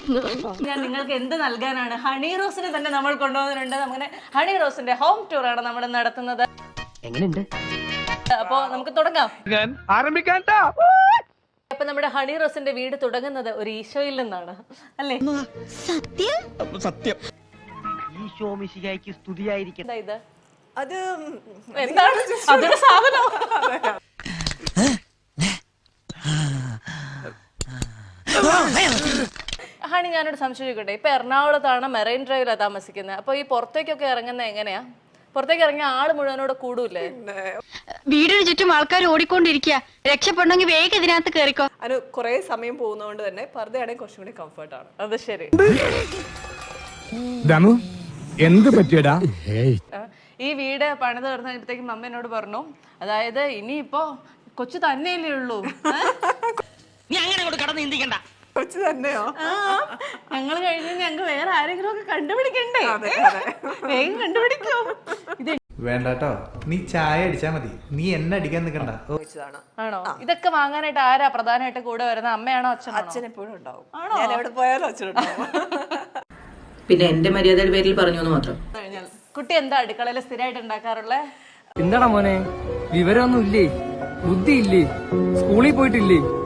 ഞാൻ നിങ്ങൾക്ക് എന്ത് നൽകാനാണ്? ഹണി റോസിനെ തന്നെ നമ്മൾ കൊണ്ടുപോകുന്നുണ്ട്. അങ്ങനെ ഹണി റോസിന്റെ ഹോം ടൂർ ആണ് നമ്മൾ നടത്തുന്നത്. എങ്ങനെയുണ്ട്? അപ്പോ നമുക്ക് തുടങ്ങാം. ആരംഭിക്കാൻ. അപ്പൊ നമ്മുടെ ഹണി റോസിന്റെ വീട് തുടങ്ങുന്നത് ഒരു ഈശോയിൽ നിന്നാണ്, അല്ലേ? സത്യം. ഈശോ മിശിഹായ്ക്ക് സ്തുതിയായിരിക്കും. എന്താ ഇത്? അത് എന്താണ്? അതൊരു സാധനം. ഹണി, ഞാനൊരു സംശയം ചോദിക്കട്ടെ. ഇപ്പൊ എറണാകുളത്താണ്, മെറൈൻ ഡ്രൈവിലാണ് താമസിക്കുന്നത്. അപ്പൊ ഈ പുറത്തേക്കൊക്കെ ഇറങ്ങുന്നത് എങ്ങനെയാ? പുറത്തേക്ക് ഇറങ്ങിയ ആള് മുഴുവനോട് കൂടൂല്ലേ? വീടിന് ചുറ്റും ആൾക്കാർ ഓടിക്കൊണ്ടിരിക്കുക. രക്ഷപ്പെടണമെങ്കിൽ വേഗം ഇതിനകത്ത് കയറിക്കോ. അതിന് കുറെ സമയം പോകുന്നതുകൊണ്ട് തന്നെ പർദ്ദയാണെങ്കിൽ കുറച്ചും കൂടി കംഫർട്ടാണ്. അത് ശരി. ദമു എന്ത് പറ്റിയടാ? ഈ വീട് പണിത് തീർന്നപ്പോഴത്തേക്കും അമ്മ എന്നോട് പറഞ്ഞു, അതായത് ഇനിയിപ്പോ കൊച്ചു തന്നെയല്ലേ ഉള്ളൂ, നീ അങ്ങനെ അങ്ങോട്ട് കടന്ന് ചിന്തിക്കണ്ട. കൊച്ചു തന്നെയോ? ഞങ്ങൾ കഴിഞ്ഞ് ഞങ്ങൾക്ക് വേറെ ആരെങ്കിലും ഒക്കെ കണ്ടുപിടിക്കണ്ടേ? വേഗം കണ്ടുപിടിക്കോ? ഇത് വേണ്ടാട്ടോ, നീ ചായ അടിച്ചാ മതി, നീ എന്നെ അടിക്കാൻ നിൽക്കണ്ട. ആണോ? ഇതൊക്കെ വാങ്ങാനായിട്ട് ആരാ പ്രധാനമായിട്ട് കൂടെ വരുന്നത്? അമ്മയാണോ അച്ഛനാണോ? അച്ഛൻ എപ്പോഴും ഉണ്ടാവും. ഞാൻ എവിടെ പോയാലും അച്ഛനുണ്ടാവും. പിന്നെ എന്റെ മര്യാദയുടെ പേരിൽ പറഞ്ഞു എന്ന് മാത്രം. കുട്ടി എന്താ അടുക്കളയിൽ സ്ഥിരമായിട്ട് ഉണ്ടാക്കാറുള്ളേ? എന്താടാ മോനെ, വിവരമൊന്നും ഇല്ലേ? ബുദ്ധി ഇല്ലേ? സ്കൂളിൽ പോയിട്ടില്ലേ?